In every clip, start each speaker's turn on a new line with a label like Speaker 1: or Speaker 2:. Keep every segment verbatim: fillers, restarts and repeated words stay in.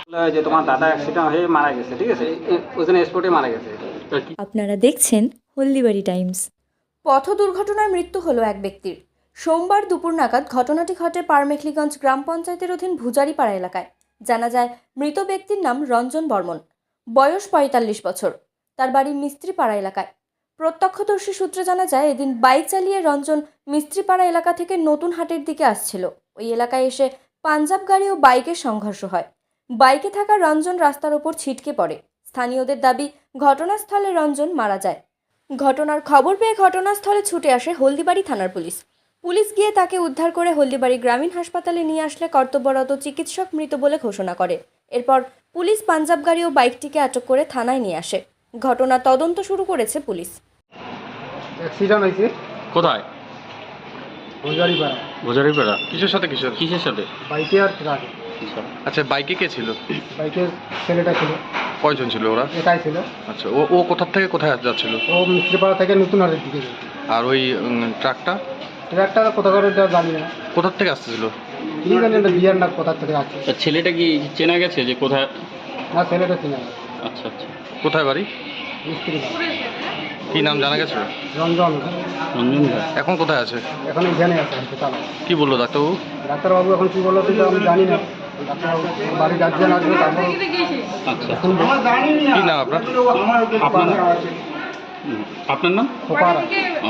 Speaker 1: যে তোমার দাদা অ্যাক্সিডেন্ট হয়ে মারা গেছে, ঠিক আছে, ওখানে স্পটে মারা গেছে।
Speaker 2: আপনারা দেখছেন হলদিবাড়ি টাইমস।
Speaker 3: পথ দুর্ঘটনায় মৃত্যু হলো এক ব্যক্তির। সোমবার দুপুর নাগাদ ঘটনাটি ঘটে পারমেখলিগঞ্জ গ্রাম পঞ্চায়েতের অধীন ভুজারিপাড়া এলাকায়। জানা যায় মৃত ব্যক্তির নাম রঞ্জন বর্মন, বয়স পঁয়তাল্লিশ বছর। তার বাড়ি মিস্ত্রিপাড়া এলাকায়। প্রত্যক্ষদর্শী সূত্রে জানা যায় এদিন বাইক চালিয়ে রঞ্জন মিস্ত্রিপাড়া এলাকা থেকে নতুন হাটের দিকে আসছিল। ওই এলাকায় এসে পাঞ্জাব গাড়ি ও বাইকের সংঘর্ষ হয়। বাইকে থাকা রঞ্জন রাস্তার ওপর ছিটকে পড়ে। স্থানীয়দের দাবি ঘটনাস্থলে রঞ্জন মারা যায়। ঘটনার খবর পেয়ে ঘটনাস্থলে ছুটে আসে হলদিবাড়ি থানার পুলিশ। পুলিশ গিয়ে তাকে উদ্ধার করে হলদিবাড়ি গ্রামীণ হাসপাতালে নিয়ে আসলে কর্তব্যরত চিকিৎসক মৃত বলে ঘোষণা করে। এরপর পুলিশ পাঞ্জাব গাড়ি ও বাইকটিকে আটক করে থানায় নিয়ে আসে। ঘটনার তদন্ত শুরু করেছে পুলিশ।
Speaker 4: অ্যাক্সিডেন্ট হয়েছে
Speaker 5: কোথায়?
Speaker 4: ভুজারিপাড়া।
Speaker 5: ভোজারিপাড়া।
Speaker 6: কিসের সাথে কিসের?
Speaker 5: কিসের সাথে?
Speaker 4: বাইকে আর ট্রাকে।
Speaker 6: আচ্ছা, বাইকে কে ছিল?
Speaker 4: বাইকের ছেলেটা ছিল,
Speaker 6: কয়জন ছিল ওরা?
Speaker 4: একাই ছিল।
Speaker 6: আচ্ছা, ও ও কোথা থেকে কোথায় যাচ্ছিল?
Speaker 4: ও মিস্ত্রিপাড়া থেকে নতুন হাটের দিকে যেত।
Speaker 6: আর ওই উম, ট্রাকটা
Speaker 4: ট্রাকটা কোথা করে এটা জানি না,
Speaker 6: কোথার থেকে আসতেছিল?
Speaker 4: কি জানি এটা বিয়ার না কোথা থেকে আসছে।
Speaker 5: তা ছেলেটা কি চেনা গেছে যে কোথায়?
Speaker 4: না, ছেলেটা চিনা না।
Speaker 5: আচ্ছা আচ্ছা।
Speaker 6: কোথায় বাড়ি?
Speaker 4: মিস্ত্রি
Speaker 6: কি নাম জানা গেছে?
Speaker 4: রঞ্জন।
Speaker 5: রঞ্জন ভাই।
Speaker 6: এখন কোথায় আছে?
Speaker 4: এখন এখানে আছে হাসপাতালে।
Speaker 6: কি বললো ডাক্তারবাবু?
Speaker 4: ডাক্তারবাবু এখন কি বললো সেটা আমি জানি না। ডাক্তারবাবু বাড়ি গার্জিয়ান আসবে, তারপর
Speaker 5: আচ্ছা।
Speaker 4: শুনবো।
Speaker 6: কি নাম আপনার?
Speaker 5: আপনার হুম, আপনার নাম?
Speaker 4: খোপাড়া।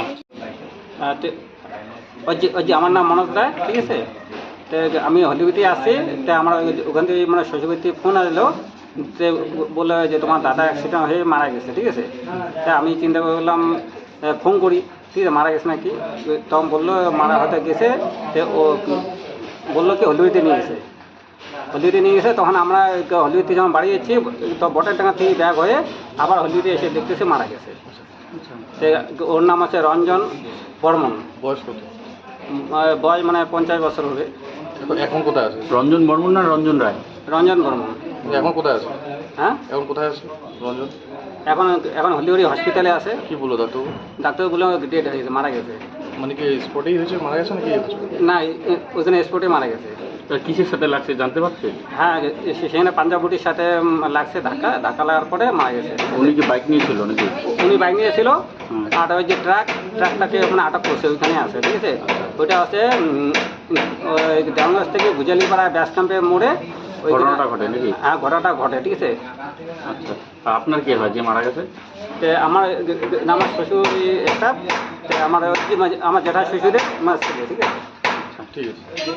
Speaker 1: আহ, তো ওই যে ওই যে আমার নাম মনোজ রায়, ঠিক আছে। তো আমি হলিউডে আসি, তো আমার ওই- ওখান থেকে মানে শ্বশুরবাড়িতে ফোন আসলো, তো বললো যে তোমার দাদা অ্যাক্সিডেন্ট হয়ে মারা গেছে, ঠিক আছে। তা আমি চিন্তা করলাম আহ, ফোন করি, ঠিক আছে, মারা গেছে নাকি। তখন বললো মারা হয়তো গেছে। তো ও বললো কি হলিউডে নিয়ে গেছে, হলিউডে নিয়ে গেছে। তখন আমরা হলিউডে যখন বাড়ি যাচ্ছি, তো বটের টাকা থেকে ব্যাগ হয়ে আবার হলিউডে এসে দেখতেছে মারা গেছে। তো ওর নাম আছে রঞ্জন বর্মন।
Speaker 6: বয়স কত?
Speaker 1: উম, আহ, বয়স মানে পঞ্চাশ বছর হবে।
Speaker 6: এখন- এখন কোথায় আছে?
Speaker 5: রঞ্জন বর্মন না রঞ্জন রায়?
Speaker 1: রঞ্জন বর্মন।
Speaker 6: এখন কোথায় আছে?
Speaker 1: হ্যাঁ,
Speaker 6: এখন কোথায় আছে রঞ্জন?
Speaker 1: এখন এখন হলিউডি হসপিটালে আছে।
Speaker 6: কি বললো ডাক্তারবাবু?
Speaker 1: ডাক্তার বললো ডেট হয়ে গেছে, মারা গেছে।
Speaker 6: মানে কি স্পটেই হয়েছে, মারা গেছে নাকি?
Speaker 1: না, এ- ওখানে স্পটে মারা গেছে।
Speaker 5: তা কিসের সাথে লাগছে জানতে পারছে?
Speaker 1: হ্যাঁ, সে- সেখানে পাঞ্জাব বুটির সাথে উম, লাগছে ধাক্কা, ধাক্কা লাগার পরে মারা গেছে।
Speaker 5: উনি কি বাইক নিয়েছিল নাকি?
Speaker 1: উনি বাইক নিয়েছিল,
Speaker 5: হুম।
Speaker 1: আর ওই যে ট্রাক ট্রাকটাকে ওখানে আটক করছে, ওইখানে আছে, ঠিক আছে। ওইটা আছে উম, ওই দেওয়ানগঞ্জ থেকে ভুজালিপাড়া ব্যাস ক্যাম্পের মোড়ে ওই
Speaker 5: ঘটনাটা ঘটে নাকি?
Speaker 1: হ্যাঁ, ঘটনাটা ঘটে, ঠিক আছে।
Speaker 5: আচ্ছা। তা আপনার কে হয় যে মারা গেছে?
Speaker 1: তো আমার আমার শ্বশুর স্টাফ, আমার ওই যে আমার জেঠা শ্বশুরের মাছ ছিল, ঠিক আছে।
Speaker 6: ঠিক আছে।